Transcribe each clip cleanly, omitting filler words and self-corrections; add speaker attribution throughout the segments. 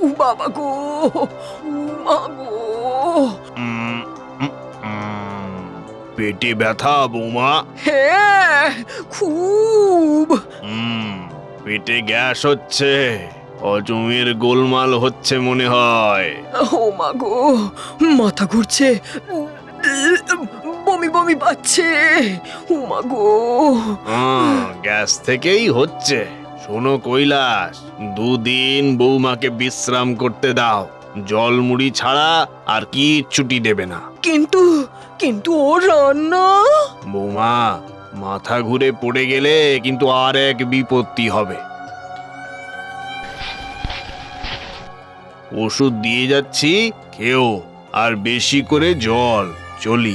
Speaker 1: বাবা গো, মা গো।
Speaker 2: উম, উম, উম, পেটে ব্যথা বৌমা?
Speaker 1: হ্যাঁ, খুব।
Speaker 2: পেটে গ্যাস হচ্ছে, হজমের গোলমাল হচ্ছে মনে হয়।
Speaker 1: ও মা গো, মাথা ঘুরছে, বমি বমি পাচ্ছে। ও মা গো।
Speaker 2: গ্যাস থেকেই হচ্ছে। শোনো কৈলাস, দুদিন বৌমাকে বিশ্রাম করতে দাও। জল মুড়ি ছাড়া আর কিচ্ছুটি দেবে না।
Speaker 1: কিন্তু কিন্তু ও রান্না।
Speaker 2: বৌমা, মাথা ঘুরে পড়ে গেলে কিন্তু আর এক বিপত্তি হবে। ওষুধ দিয়ে যাচ্ছি, খেও, আর বেশি করে জল। চলি।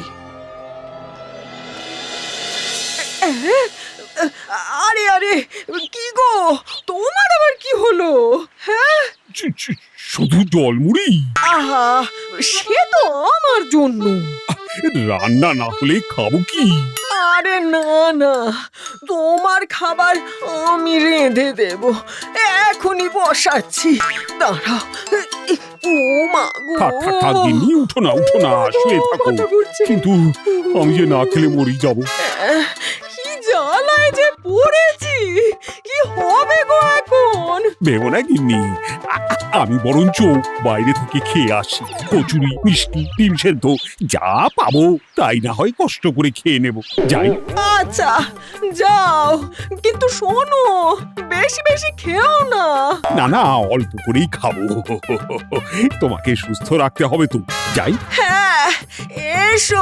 Speaker 1: আরে আরে, কি গো, তোমার আবার কি হলো? হ্যাঁ,
Speaker 3: শুধু জলমুড়ি?
Speaker 1: আহা, সে তো আমার জন্য।
Speaker 3: রান্না না হলে খাবো কি?
Speaker 1: আরে না না, তোমার খাবার আমি রেঁধে দেব, এখনই বসাচ্ছি, দাঁড়াও। ও মা গো,
Speaker 3: থাক থাক থাক গিন্নি, উঠো না উঠো না, শুয়ে থাকো।
Speaker 1: মাথা ঘুরছে।
Speaker 3: কিন্তু আমি যে না খেলে মরি যাব।
Speaker 1: কি জ্বালায় যে পড়েছি, কি হবে গো এখন?
Speaker 3: ভেবো না গিন্নি, আমি বরঞ্চ বাইরে থেকে খেয়ে আসি। কচুরি, মিষ্টি, ডিম সেদ্ধ যা পাবো তাই না হয় কষ্ট করে খেয়ে নেব। যাই।
Speaker 1: আচ্ছা, যাও, কিন্তু শোনো, বেশি বেশি খেও না।
Speaker 3: না না, অল্প করেই খাবো। তোমাকে সুস্থ রাখতে হবে তো। যাই।
Speaker 1: হ্যাঁ, এসো।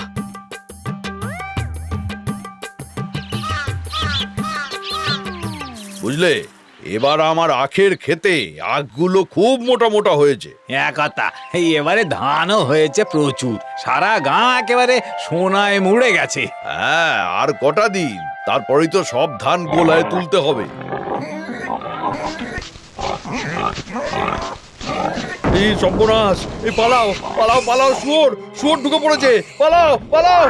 Speaker 4: বুঝলে, এবার আমার আখের ক্ষেতে আখগুলো খুব মোটা মোটা হয়েছে।
Speaker 5: কথা, এবারে ধানও হয়েছে প্রচুর, সারা গা একেবারে সোনায় মুড়ে গেছে।
Speaker 4: হ্যাঁ, আর কটা দিন, তারপরেই তো সব ধান গোলায় তুলতে হবে। এই সর্বনাশ, এই পালাও পালাও পালাও, শুয়োর শুয়োর ঢুকে পড়েছে, পালাও পালাও।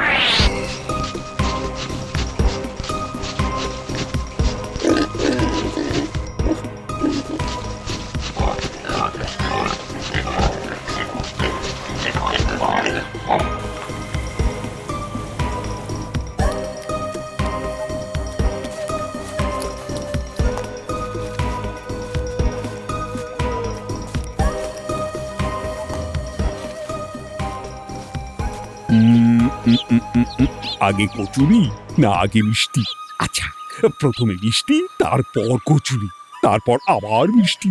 Speaker 3: আগে কচুরি না আগে মিষ্টি? আচ্ছা, প্রথমে মিষ্টি, তারপর কচুরি, তারপর আবার মিষ্টি।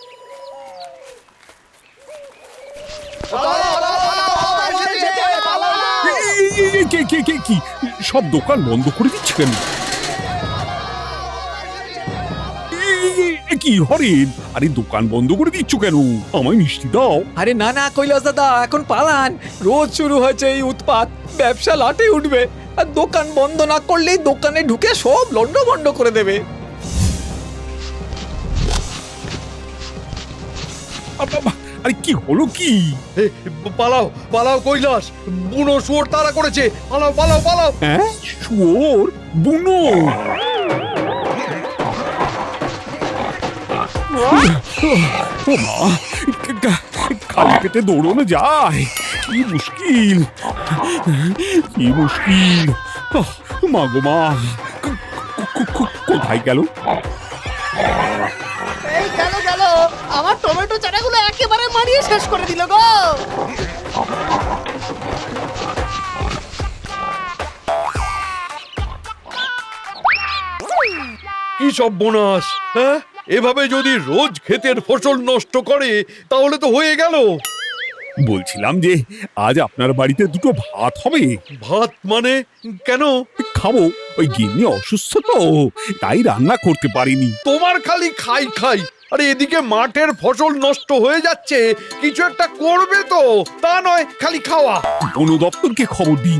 Speaker 3: কে কে কে কি সব দোকান বন্ধ করে দিচ্ছে কেন? কি হরেন, আরে দোকান বন্ধ করে দিচ্ছ কেন? আমায় মিষ্টি দাও।
Speaker 5: আরে না না কৈলাস দাদা, এখন পালান, রোজ শুরু হয়েছে এই উৎপাত, ব্যবসা লাটে উঠবে, আর দোকান বন্ধ না করলেই দোকানে ঢুকে সব লন্ডভন্ড করে দেবে।
Speaker 3: আরে কি হলো কি?
Speaker 4: এ, পালাও পালাও কৈলাস, বুনো শুয়োর তাড়া করেছে, পালাও পালাও পালাও।
Speaker 3: হ্যাঁ, শুয়োর? বুনো? ও মা, খালি পেটে দৌড়ানো যায়? কি মুশকিল, কি মুশকিল। মা গো মা, কোথায় গেল?
Speaker 6: এই গেল গেল, আমার টমেটো চারাগুলো একেবারে মারিয়ে শেষ করে দিল গো।
Speaker 4: কি সর্বনাশ! হ্যাঁ, এভাবে যদি রোজ ক্ষেতের ফসল নষ্ট করে তাহলে তো হয়ে গেল।
Speaker 3: বলছিলাম যে আজ আপনার বাড়িতে দুটো ভাত হবে।
Speaker 4: ভাত মানে? কেন?
Speaker 3: খাবো, ওই গিন্নি অসুস্থ তো, তাই রান্না করতে পারিনি।
Speaker 4: তোমার খালি খাই খাই, আরে এদিকে মাঠের ফসল নষ্ট হয়ে যাচ্ছে, কিছু একটা করবে তো, তা নয় খালি খাওয়া।
Speaker 3: বন দপ্তরকে খবর দিন।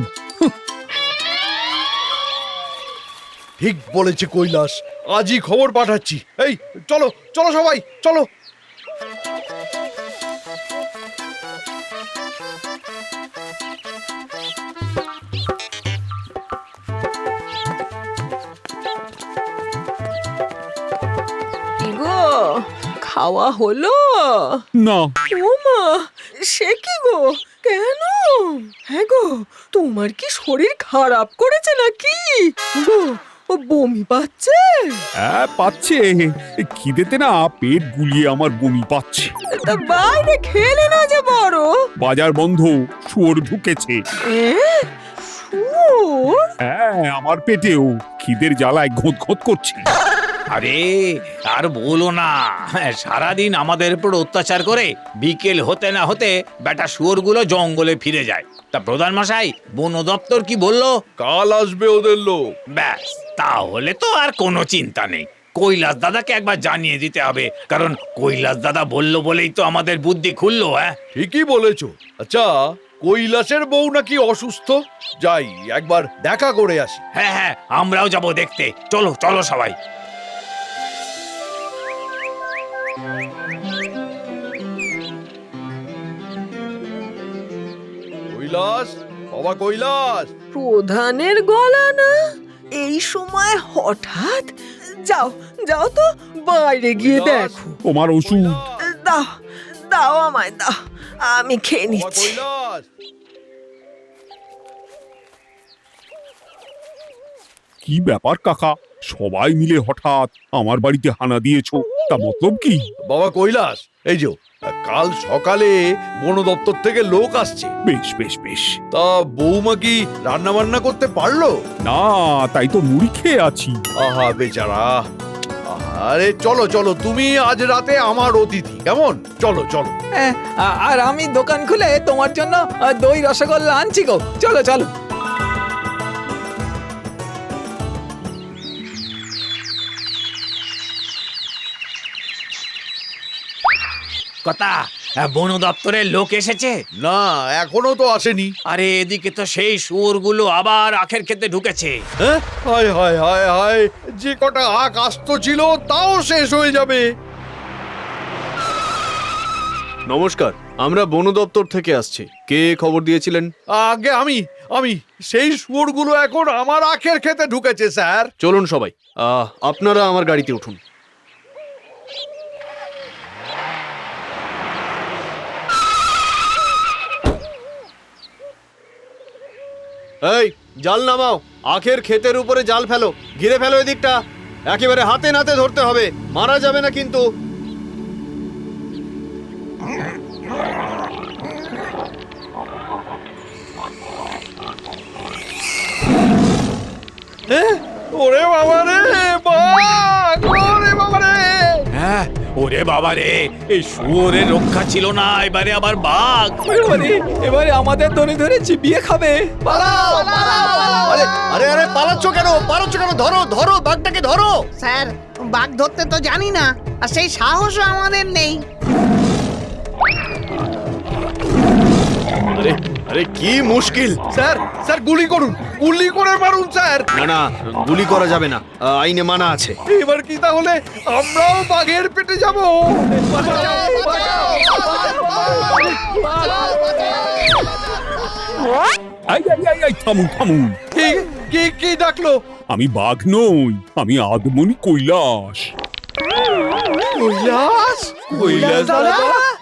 Speaker 4: ঠিক বলেছে কৈলাস, আজই খবর পাঠাচ্ছি। এই চলো চলো সবাই চলো।
Speaker 1: খাওয়া হলো?
Speaker 3: না,
Speaker 1: ওমা, সে কি গো? কেন? হ্যাঁ গো, তোমার কি শরীর খারাপ করেছে নাকি গো? ও বমি পাচ্ছে?
Speaker 3: হ্যাঁ পাচ্ছে। খিদেতে না পেট গুলিয়ে আমার বমি পাচ্ছে।
Speaker 1: তা বাইরে খেলে না যে বড়?
Speaker 3: বাজার বন্ধ, শুয়োর ঢুকেছে।
Speaker 1: শুয়োর?
Speaker 3: হ্যাঁ, আমার পেটেও খিদের জ্বালায় ঘোঁত ঘোঁত করছে।
Speaker 5: আরে আর বলো না, সারাদিন আমাদের উপর অত্যাচার করে বিকেল হতে না হতে বেটা শুয়োরগুলো জঙ্গলে ফিরে যায়। তা প্রধান মশাই, বন দপ্তর কি বললো?
Speaker 4: কাল আসবে ওদের লোক।
Speaker 5: ব্যাস, তাহলে তো আর কোনো চিন্তা নেই। কৈলাস দাদাকে একবার জানিয়ে দিতে হবে, কারণ কৈলাস দাদা বললো বলেই তো আমাদের বুদ্ধি খুললো। হ্যাঁ,
Speaker 4: ঠিকই বলেছো। আচ্ছা, কৈলাসের বউ নাকি অসুস্থ? যাই একবার দেখা করে আসি।
Speaker 5: হ্যাঁ হ্যাঁ, আমরাও যাব দেখতে। চলো চলো সবাই।
Speaker 4: কৈলাস, বাবা কৈলাস।
Speaker 1: প্রধানের গলা না? এই সময় হঠাৎ? যাও যাও তো, বাইরে গিয়ে দেখো।
Speaker 3: তোমার ওষুধ।
Speaker 1: দাও দাও, আমায় দাও, আমি খেয়ে
Speaker 4: বাবা
Speaker 1: নিচ্ছি।
Speaker 4: কৈলাস।
Speaker 3: কি ব্যাপার কাকা, সবাই মিলে হঠাৎ আমার বাড়িতে হানা দিয়েছো? তা মতলব কি?
Speaker 4: বাবা কৈলাস, এই যে কাল সকালে বন দপ্তর থেকে লোক আসছে।
Speaker 3: বেশ বেশ বেশ।
Speaker 4: তা বৌমা কি রান্না বান্না করতে পারলো?
Speaker 3: না, তাই তো মুড়ি খেয়ে আছি।
Speaker 4: আহা বেচারা। আরে চলো চলো, তুমি আজ রাতে আমার অতিথি, কেমন? চলো চলো।
Speaker 5: আর আমি দোকান খুলে তোমার জন্য দই রসগোল্লা আনছি গো। চলো চলো। কথা, বন দপ্তরের লোক এসেছে?
Speaker 4: না, এখনো তো আসেনি।
Speaker 5: আরে এদিকে তো সেই শুয়োরগুলো আবার আখের খেতে ঢুকেছে।
Speaker 4: হ্যাঁ, হায় হায় হায় হায়, যে কটা আখ আস্ত ছিল তাও শেষ হয়ে যাবে।
Speaker 2: নমস্কার, আমরা বন দপ্তর থেকে আসছি। কে খবর দিয়েছিলেন?
Speaker 4: আগে আমি সেই শুয়োরগুলো এখন আমার আখের খেতে ঢুকেছে স্যার।
Speaker 2: চলুন সবাই, আপনারা আমার গাড়িতে উঠুন। এই, জাল নামাও। আখের ক্ষেতের উপরে জাল ফেলো, ঘিরে ফেলো এদিকটা। একেবারে হাতে নাতে ধরতে হবে, মারা যাবে না কিন্তু।
Speaker 4: ওরে বাবা রে, বাঘ! ওরে বাবা রে!
Speaker 5: হ্যাঁ, ওরে বাবা রে, এই শুয়োরের রক্ষা ছিল না, এবারে আবার বাঘ। এবারে আমাদের ধরে ধরে চিবিয়ে খাবে।
Speaker 2: আরে আরে আরে, পালাচ্ছ কেন? ধরো ধরো, বাঘটাকে ধরো।
Speaker 6: স্যার, বাঘ ধরতে তো জানি না, আর সেই সাহসও আমাদের নেই।
Speaker 2: আরে আরে, কি মুশকিল।
Speaker 4: স্যার স্যার, গুলি করুন, গুলি করে মারুন স্যার।
Speaker 2: না না, গুলি করা যাবে না, আইনে মানা আছে।
Speaker 4: এবার কি তাহলে আমরাও বাঘের পেটে যাব?
Speaker 3: আই আই আই আই, থামুন থামুন।
Speaker 4: কি কি কি ডাকলো?
Speaker 3: আমি বাঘ নই, আমি আদমনি কৈলাস।
Speaker 4: কৈলাস? কৈলাস দাদা?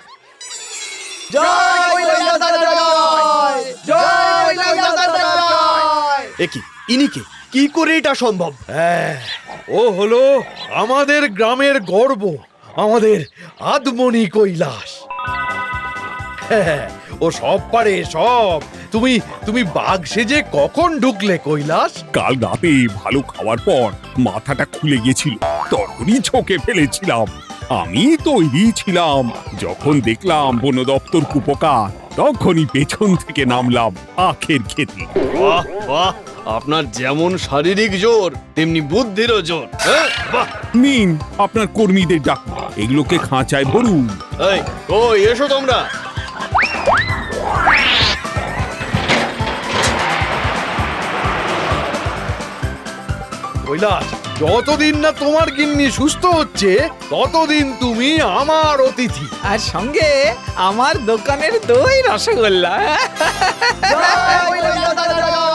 Speaker 2: এ কি, ইনি কে? কি করে এটা সম্ভব?
Speaker 4: হ্যাঁ, ও হলো আমাদের গ্রামের গর্ব, আমাদের আদমনি কৈলাস। হ্যাঁ, ও সব পারে সব। তুমি তুমি বাঘ সেজে কখন ঢুকলে কৈলাস?
Speaker 3: কাল রাতে ভালো খাওয়ার পর মাথাটা খুলে গেছিল, তখনই ছোকে ফেলেছিলাম। আমি তৈরি ছিলাম। যখন দেখলাম বন দপ্তর কুপকার, তখনই পেছন থেকে নামলাম আখের খেতে।
Speaker 2: বাহ বাহ, আপনার যেমন শারীরিক জোর তেমনি বুদ্ধিরও জোর। হ্যাঁ, বাহ।
Speaker 3: নিন আপনার কর্মীদের ডাক, এগুলোকে খাঁচায় ভরুন।
Speaker 2: এই, ওই এসো তোমরা।
Speaker 4: কৈলাস, যতদিন না তোমার গিন্নি সুস্থ হচ্ছে ততদিন তুমি আমার অতিথি।
Speaker 5: আর সঙ্গে আমার দোকানের দই রসগোল্লা।